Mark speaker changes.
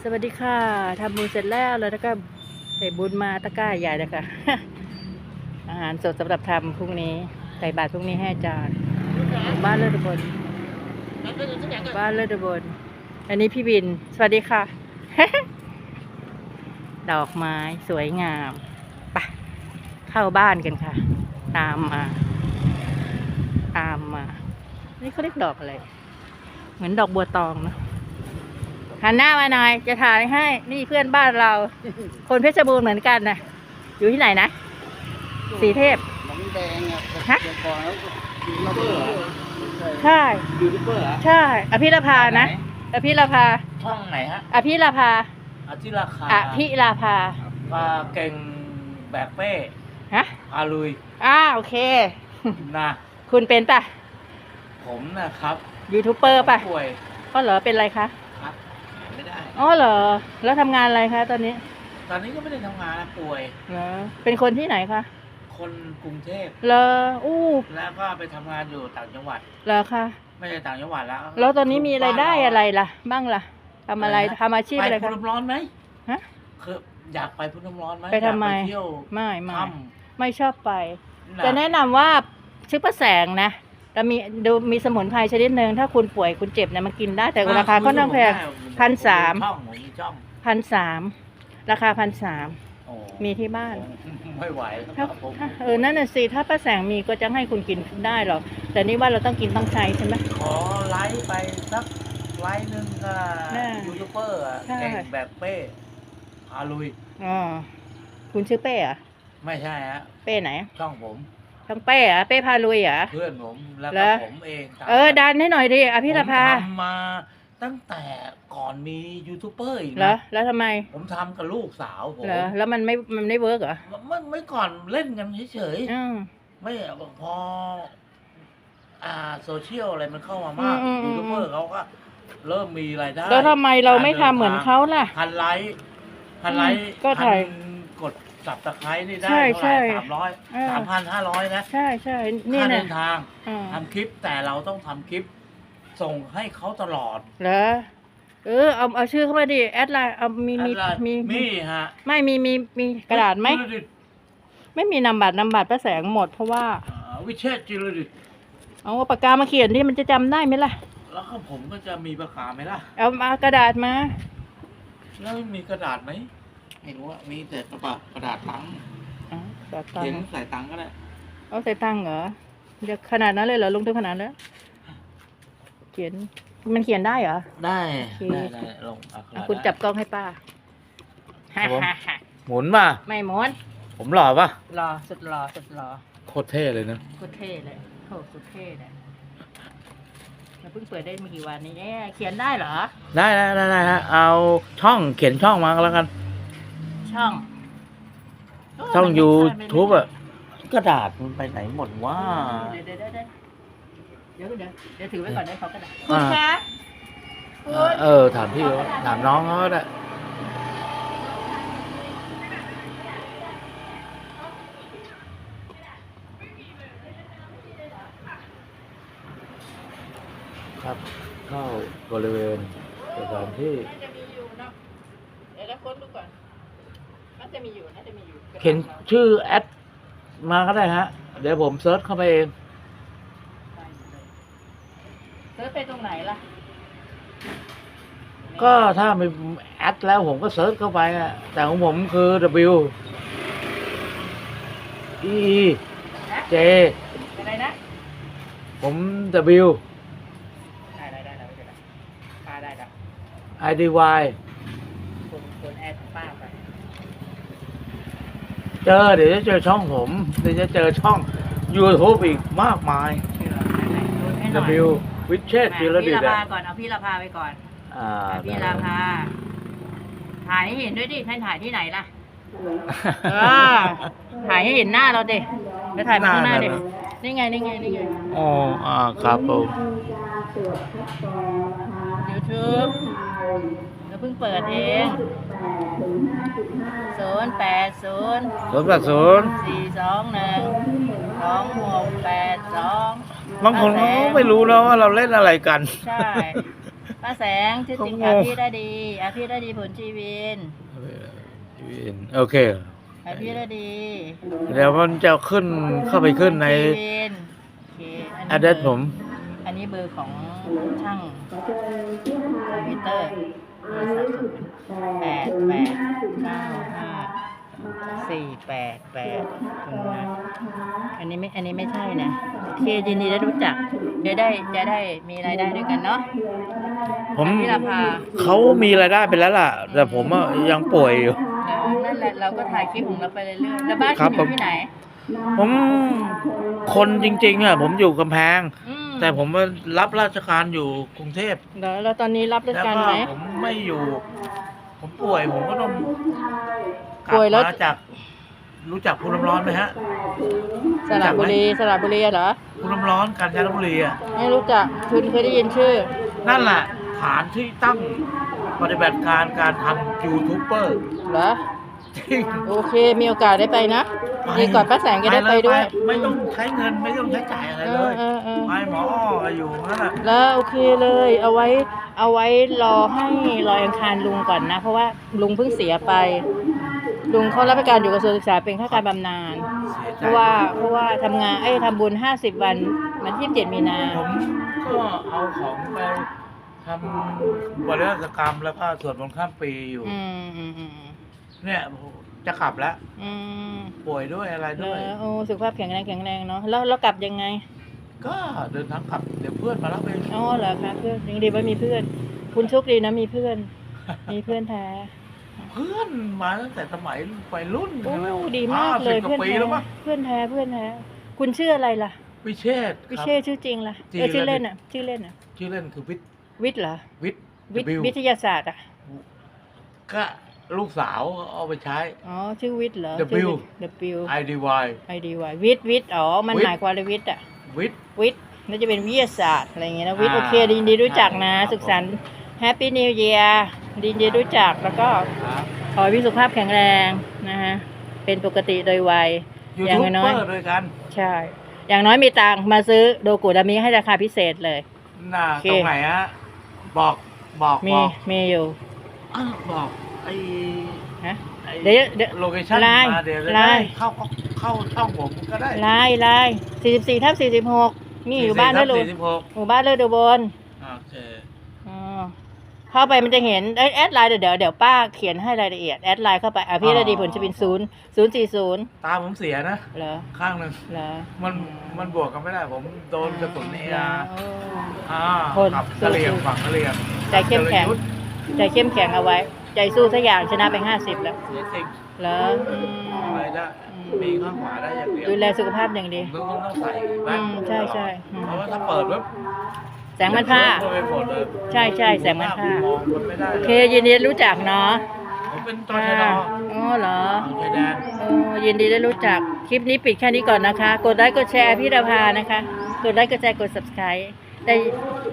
Speaker 1: สวัสดีค่ะทำบุญเสร็จแล้วแล้วก็ใส่บุญมาตะกร้าใหญ่เลยค่ะ อาหารสดสำหรับทำพรุ่งนี้ใส่บาตรพรุ่งนี้ให้อาจารย์บ้านเลิศอุบลบ้านเลิศอุบลอันนี้พี่บินสวัสดีค่ะ ดอกไม้สวยงามไปเข้าบ้านกันค่ะ ตามมานี่เขาเรียกดอกอะไรเหมือนดอกบัวตองนะหันหน้ามาหน่อยจะถ่ายให้นี่เพื่อนบ้านเรา คนเพชรบูรณ์เหมือนกันนะอยู่ที่ไหนนะสีเทพ
Speaker 2: น้องแดงอ่ะ
Speaker 1: ฮะ
Speaker 2: เดี๋ยวก่อนแล้วยูทูบเบอร์
Speaker 1: ใช่
Speaker 2: ยูทูบเบอร์
Speaker 1: ใช่อภิรภานะอภิรภา
Speaker 2: ช่องไหนฮะ
Speaker 1: อภิรภา
Speaker 2: อาทิราคา
Speaker 1: อภิราภา
Speaker 2: มาเก่งแบกเป้
Speaker 1: ฮะ
Speaker 2: อาลุย
Speaker 1: โอเค
Speaker 2: นะ
Speaker 1: คุณเป็นป่ะ
Speaker 2: ผมนะครับ
Speaker 1: ยูทูบเบอร์ป่ะ
Speaker 2: ป่วย
Speaker 1: ก็เหรอเป็นอะไรคะ
Speaker 2: ครับไม่ได้
Speaker 1: อ๋อเหรอแล้วทำงานอะไรคะตอนนี้
Speaker 2: ตอนนี้ก็ไม่ได้ทำงานนะป่วย
Speaker 1: เหรอเป็นคนที่ไหนคะ
Speaker 2: คนกรุงเทพ
Speaker 1: เหรออู้
Speaker 2: แล้วก็ไปทำงานอยู่ต่างจังหวัด
Speaker 1: เหรอคะ
Speaker 2: ไม่ใช่ต่างจังหวัดแล้ว
Speaker 1: แล้วตอนนี้มีรายได้อะไรล่ะ บ้างล่ะทำอะไรทำอาชีพอะไร
Speaker 2: ไป
Speaker 1: คะ
Speaker 2: พุน้ำร้อนไหม
Speaker 1: ฮะ
Speaker 2: คืออยากไปพุน้ำร้อนไหม
Speaker 1: ไปทำไม
Speaker 2: อยากไปเที่ยว
Speaker 1: ไม่
Speaker 2: ถ้
Speaker 1: ไม่ชอบไป
Speaker 2: ำ
Speaker 1: จะแนะนำว่าชื่อป้าแสงนะแต่มีสมุนไพรชนิดหนึ่งถ้าคุณป่วยคุณเจ็บเนี่ยมันกินได้แต่ราคาค่อนข้างแพง 1,300
Speaker 2: ช่องผมมีช่อง
Speaker 1: 1,300ราคา1,300
Speaker 2: โอ้
Speaker 1: มีที่บ้าน
Speaker 2: ไม่ไหวค
Speaker 1: ถ้า
Speaker 2: รับผม
Speaker 1: นั่นน่ะสิถ้าป้าแสงมีก็จะให้คุณกินได้หรอกแต่นี่ว่าเราต้องกินต้องใช้ใช่ไหม
Speaker 2: ขอไลฟ์ไปสักไลฟ์หนึ่งก็
Speaker 1: น่ะ
Speaker 2: ยูทูบเบอร์อะ
Speaker 1: ใช่
Speaker 2: เก่งแบบเป้พาลุย
Speaker 1: อ๋อคุณชื่อเป้เหรอะ
Speaker 2: ไม่ใช่ฮะ
Speaker 1: เป้ไหน
Speaker 2: ช่องผม
Speaker 1: ทั้งเป้เหรอะเป้พาลุยเหรอ
Speaker 2: เพื่อนผมแล้ว
Speaker 1: เหร
Speaker 2: ก็
Speaker 1: อ
Speaker 2: ผมเองตาม
Speaker 1: ดันให้หน่อยดิอภิรภา
Speaker 2: ผมทำมาตั้งแต่ก่อนมียูทูบเบอร์อีก
Speaker 1: เหรอ
Speaker 2: นะ
Speaker 1: แล้วทำไม
Speaker 2: ผมทำกับลูกสาวผม
Speaker 1: เหรอแล้วมันไม่เวิร์กเหรอ
Speaker 2: ไม่ก่อนเล่นกันเฉย
Speaker 1: อืม
Speaker 2: ๆไม่พอโซเชียลอะไรมันเข้ามามาก
Speaker 1: อืม
Speaker 2: ยูทูบเบอร์เขาก็เริ่มมีรายได้
Speaker 1: แล้วทำไมเราไม่ทำเหมือนเขาล่ะ
Speaker 2: พันไลค์
Speaker 1: ก็ถ่าย
Speaker 2: กดสับตะไคร้นี่ได้
Speaker 1: ใช่
Speaker 2: เท่าไหร่
Speaker 1: ใช่
Speaker 2: 300
Speaker 1: เออ
Speaker 2: 3,500นะ
Speaker 1: ใช่นี่
Speaker 2: ค่า
Speaker 1: นะ
Speaker 2: เดินทาง
Speaker 1: อืม
Speaker 2: ทำคลิปแต่เราต้องทำคลิป ส่งให้เขาตลอด
Speaker 1: เหรอเอาชื่อเข้ามาดิแอดไลน์เอามี
Speaker 2: มีฮะ
Speaker 1: ไม่มีกระดาษไหม
Speaker 2: จิรดิต
Speaker 1: ไม่มีนามบัตรป้าแสงหมดเพราะว่า
Speaker 2: วิเชษฐ์จิรดิต
Speaker 1: เอาปากกามาเขียนที่มันจะจำได้ไหมล่ะ
Speaker 2: แล้วก็ผมก็จะมีประกาศไหมล่ะ
Speaker 1: เอามากระดาษมา
Speaker 2: แล้วมีกระดาษไหมไม่รู้ว่ามีแต่กระดาษตังค์
Speaker 1: อ๋อใส่ตัง
Speaker 2: เขียน
Speaker 1: ค์
Speaker 2: ใส่ตังค์ก็ได้
Speaker 1: เอาใส่ตังค์เหรอเดี๋ยวขนาดนั้นเลยเหรอลงทุนขนาดนั้นเขียนมันเขียนได้เหรอ
Speaker 2: ได้
Speaker 1: โอเค
Speaker 2: ได้ลงอักขระ
Speaker 1: คุณจับกล้องให้ป้า
Speaker 2: ครับผม หมุนมา
Speaker 1: ไม่หมด
Speaker 2: ผมหล่อปะ
Speaker 1: รอสุดรอ
Speaker 2: โคตรเท่เลยนะ
Speaker 1: โคตรเท่เลยโหสุดเท่เลยเราเพิ่งเปิดได้ไม่กี่วันนี้เขียนได้เหรอ
Speaker 2: ได้ฮะเอาช่องเขียนช่องมาก็แล้วกัน
Speaker 1: ช่อง
Speaker 2: ช่อง
Speaker 1: มัน
Speaker 2: YouTube อ่ะกระดาษมันไปไหนหมดวะ
Speaker 1: เดี๋ยวถือไว้ก่อนได้เขากระดาษ
Speaker 2: อ่า
Speaker 1: คุณคะคุณ
Speaker 2: ถามพี่เขาถามน้องเขาก็ได้ครับเข้าบริเวณสถานที่
Speaker 1: น่าจะมีอยู่เนาะเดี๋ยวเราค้นดูก่อนน่าจะมีอยู่
Speaker 2: เขียนชื่อแอดมาก็ได้ฮะ เดี๋ยวผมเซิร์ชเข้าไปเอง
Speaker 1: เซิร์ชไปตรงไหนล่ะ
Speaker 2: ก็ถ้ามีแอดแล้วผมก็เซิร์ชเข้าไปอะแต่ของผมคือ W E J
Speaker 1: อะไรนะ
Speaker 2: ผม W
Speaker 1: ได้ไม่เป็นไรป้าได้แล้ว
Speaker 2: I D Y
Speaker 1: คุณแอดป้าไป
Speaker 2: เดี๋ยวจะเจอช่องผม เดี๋ยวจะเจอช่อง YouTube อีกมากมาย
Speaker 1: ชื่อให้หน่อย
Speaker 2: W วิเชษฐ์จิรดิ
Speaker 1: พี่
Speaker 2: ต
Speaker 1: ลา
Speaker 2: อะ
Speaker 1: ภาก่อนเอาพี่ลาภาไปก่อน พี่
Speaker 2: ได้
Speaker 1: ลาภาถ่ายให้เห็นด้วยดิท่านถ่ายที่ไหนล่ะถ่ายให้เห็นหน้าเราดิไปถ่ายมาข้างหน้าดินี่ไง
Speaker 2: อ๋อครับผม
Speaker 1: YouTube เราเพิ่งเปิดเอง080
Speaker 2: 080
Speaker 1: 421 2682
Speaker 2: บางคนเขาก็ไม่รู้นะว่าเราเล่นอะไรกัน
Speaker 1: ใช่ป้าแสงชื่อจริง
Speaker 2: ก็งง
Speaker 1: พี่ได้ดีพี่ได้ดีผลชีวิน
Speaker 2: โอเค
Speaker 1: พี่ได้ดี
Speaker 2: เดี๋ยวมันจะขึ้นเข้าไปขึ้นใน
Speaker 1: ชีวินโอเค
Speaker 2: address ผม
Speaker 1: อันนี้เบอร์ของช่างคอมพิวเตอร์8895548อันนี้ไม่ใช่นะโอเคยินดีได้รู้จักจะได้มีรายได้ด้วยกันเนาะ
Speaker 2: ผม
Speaker 1: พี่ราภา
Speaker 2: เขามีรายได้ไปแล้วล่ะ แต่ผมอะยังป่วยอยู่
Speaker 1: นั่นแหละเราก็ถ่ายคลิปของเราไปเรื่อยๆแล้วบ้าน
Speaker 2: ครั
Speaker 1: คุ
Speaker 2: บ
Speaker 1: ณอยู่ที่ไหน
Speaker 2: ผมคนจริงๆอะผมอยู่กำแพง
Speaker 1: อืม
Speaker 2: แต่ผมมารับราชการอยู่กรุงเทพ
Speaker 1: แล้วตอนนี้รับราช
Speaker 2: แล้ว
Speaker 1: การ
Speaker 2: ก็
Speaker 1: ไหม
Speaker 2: ผมไม่อยู่ ผมป่วยผมก็ต้องกลั
Speaker 1: ป่วยแล้ว
Speaker 2: มาจากรู้จักภูน้ำร้อนไหมฮะ
Speaker 1: สระบุรีเหรอ
Speaker 2: ภูน้ำร้อนกาญจนบุรีอ่ะ
Speaker 1: ไม่รู้จักคุณเคยได้ยินชื่อ
Speaker 2: นั่นแหละฐานที่ตั้งปฏิบัติการทำยูทูบเบอร์
Speaker 1: เหรอ
Speaker 2: จริง
Speaker 1: โอเคมีโอกาสได้ไปนะดีก่อนป้าแสงจะได้ไปด้วย
Speaker 2: ไม่ต้องใช้เงินไม่ต้องใช้จ่ายอะไรเลย
Speaker 1: เออ
Speaker 2: ไปหมออ้ออยู่นั่นแหละ
Speaker 1: แล้วโอเคเลยเอาไว้รอให้ลอยอังคารลุงก่อนนะ เพราะว่าลุงเพิ่งเสียไป ลุงเขารับราชการอยู่กระทรวงศึกษาเป็นข้าราชการบำนาญ
Speaker 2: เสียใจ
Speaker 1: เพราะว่าทำงานทำบุญ50 วันวันที่27 มีนา
Speaker 2: ผมก็เอาของไปทำบริษัทกรรมแล้วก็สวดมนต์ข้ามปีอยู่
Speaker 1: อืม
Speaker 2: เนี่ยจะกลับแล้ว
Speaker 1: อืม
Speaker 2: ป่วยด้วยอะไร
Speaker 1: แล้
Speaker 2: ด้วย
Speaker 1: วโอ้สุขภาพแข็งแรงเนาะแล้วกลับยังไง
Speaker 2: ก็เดินทางกลับเดี๋ยวเพื่อนมารับเอง
Speaker 1: อ๋อเหรอคะเพื่อนยังดีว่ามีเพื่อน คุณโชคดีนะมีเพื่อน มีเพื่อนแท้
Speaker 2: เพื่อนมาตั้งแต่สมัยวัยรุ่น
Speaker 1: โอ้
Speaker 2: แล้ว
Speaker 1: ดีมากเลย
Speaker 2: 50กว่า
Speaker 1: เพื่อน
Speaker 2: ปี
Speaker 1: แท้
Speaker 2: แล้วมั้ง
Speaker 1: เพื่อนแท้คุณชื่ออะไรล่ะ
Speaker 2: วิเชษฐ์
Speaker 1: วิ
Speaker 2: ครับ
Speaker 1: เชษชื่อจริงล่ะ
Speaker 2: จริง
Speaker 1: ชื่อ
Speaker 2: แล้ว
Speaker 1: เล่นอ่ะชื่อเล่นอ่ะ
Speaker 2: ชื่อเล่นคือวิทย์
Speaker 1: วิทย์เหรอ
Speaker 2: วิทย์
Speaker 1: วิท
Speaker 2: W
Speaker 1: วิทยาศาสตร์อ่ะ
Speaker 2: ก็ลูกสาวเอาไปใช้
Speaker 1: อ๋อชื่อวิทย์เหรอ
Speaker 2: W
Speaker 1: W
Speaker 2: IDY
Speaker 1: IDY วิทย์อ๋อมัน
Speaker 2: วิทย์
Speaker 1: หมายความว่าวิทย์อ่ะ
Speaker 2: วิทย์
Speaker 1: วิทย์น่าจะเป็นวิทยาศาสตร์อะไรอย่างเงี้ยนะวิทย์
Speaker 2: อ่า
Speaker 1: โอเคดีดีรู้จักนะ
Speaker 2: ครับ
Speaker 1: สุขสันต์แฮปปี้นิวเยียร์ดีรู้จักแล้วก็
Speaker 2: ครับ
Speaker 1: ขอให้พี่สุขภาพแข็งแรงนะฮะเป็นปกติโดยวัย
Speaker 2: ยู
Speaker 1: อย่าง
Speaker 2: ทูบ
Speaker 1: น้
Speaker 2: เบ
Speaker 1: อ
Speaker 2: อย ร์ด้วยกัน
Speaker 1: ใช่ อย่างน้อยมีตังค์มาซื้อโดกุดามิให้ราคาพิเศษเลย
Speaker 2: น่า
Speaker 1: โอเค
Speaker 2: ตรงไหนฮะบอก
Speaker 1: มีอยู่
Speaker 2: บอกไอ้
Speaker 1: ฮะ
Speaker 2: ไอ้
Speaker 1: เดี๋ยว
Speaker 2: โลเคชั่น
Speaker 1: ไลน์
Speaker 2: มาเดี๋ยวจะ
Speaker 1: ไล
Speaker 2: ได้
Speaker 1: น์
Speaker 2: เข้าช่องผมก็ได้
Speaker 1: ลาย44/46นี่อยู่บ้านเลิศ
Speaker 2: 44/46
Speaker 1: หมู่บ้านเลิศอุบล
Speaker 2: โอเค
Speaker 1: อ๋อเข้าไปมันจะเห็นแอดไลน์เดี๋ยวป้าเขียนให้รายละเอียดแอดไลน์เข้าไปพี่ระดีผลจะเป็น040
Speaker 2: ตาผมเสียนะ
Speaker 1: เหรอ
Speaker 2: ข้างหนึ่ง
Speaker 1: เหรอ
Speaker 2: มันบวกกันไม่ได้ ผมโดนกระสุนเอ
Speaker 1: เหร
Speaker 2: อา
Speaker 1: คน
Speaker 2: กับกระเหลี่ยงฝั่งกระเหลี่ยง
Speaker 1: ใจเข้มแข็ง ใจเข้มแข็งเอาไว้ ใจสู้สักอย่างชนะไป50แล้ว
Speaker 2: เสียจริง
Speaker 1: เหรอ
Speaker 2: อะไรได้มีข้างขวาได้อย่างเดียว
Speaker 1: ดูแลสุขภาพอย่างดี
Speaker 2: ต้องใส่แว่น
Speaker 1: ใช่
Speaker 2: เพราะว่าถ้าเปิดปุ๊บ
Speaker 1: แสงมันผ้า
Speaker 2: ไปหมดเลย
Speaker 1: ใช่แสงมันผ้า
Speaker 2: มองมันไม่ได้
Speaker 1: โอ
Speaker 2: เล
Speaker 1: เค
Speaker 2: ย
Speaker 1: ยินดีรู้จักเนาะ
Speaker 2: ผมเป็นตชด
Speaker 1: อ๋อเหรอ
Speaker 2: ชายแดน
Speaker 1: โอ้ยินดีได้รู้จัก คลิปนี้ปิดแค่นี้ก่อนนะคะ กดไลค์กดแชร์พี่ดาภานะคะ กดไลค์กดแชร์กด subscribe ได้